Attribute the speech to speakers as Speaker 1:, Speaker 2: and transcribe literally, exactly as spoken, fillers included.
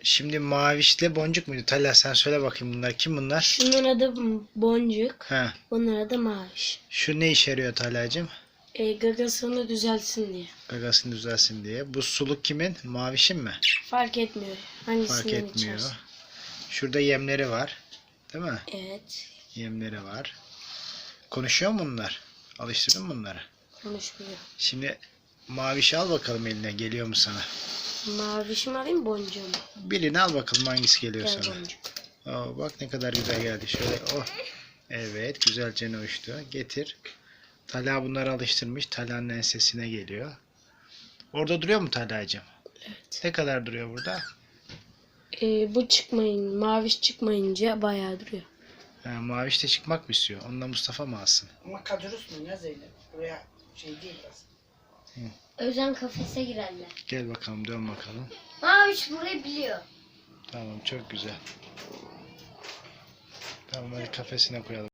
Speaker 1: Şimdi mavişle boncuk muydu? Talha sen söyle bakayım, bunlar kim bunlar?
Speaker 2: Şunun adı Boncuk.
Speaker 1: Ha.
Speaker 2: Bunun adı Maviş.
Speaker 1: Şu ne işe yarıyor Talha'cığım?
Speaker 2: E, gagasını düzeltsin diye.
Speaker 1: Gagasını düzelsin diye. Bu suluk kimin? Mavişin mi?
Speaker 2: Fark etmiyor. Hangisinden
Speaker 1: Fark etmiyor.
Speaker 2: içersin.
Speaker 1: Şurada yemleri var. Değil mi?
Speaker 2: Evet.
Speaker 1: Yemleri var. Konuşuyor mu bunlar? Alıştırdın mı bunları?
Speaker 2: Konuşmuyor.
Speaker 1: Şimdi mavişi al bakalım eline. Geliyor mu sana?
Speaker 2: Maviş mi alayım, boncuğu mu?
Speaker 1: Birini al bakalım hangisi geliyor
Speaker 2: Gel
Speaker 1: sana.
Speaker 2: boncuk.
Speaker 1: Oo, bak ne kadar güzel geldi. Şöyle oh. Evet, güzelce uçtu. Getir. Talha bunları alıştırmış. Talha'nın ensesine geliyor. Orada duruyor mu Talha'cığım?
Speaker 2: Evet.
Speaker 1: Ne kadar duruyor burada?
Speaker 2: E, bu çıkmayın, Maviş çıkmayınca bayağı duruyor.
Speaker 1: Ha, maviş de çıkmak mı istiyor? Onunla Mustafa mı alsın?
Speaker 3: Ama kadrosu mu ya Zeynep? Buraya şey değil biraz.
Speaker 4: Özen kafese girerler.
Speaker 1: Gel bakalım, dön bakalım.
Speaker 4: Maviş burayı biliyor.
Speaker 1: Tamam, çok güzel. Tamam, hadi kafesine koyalım.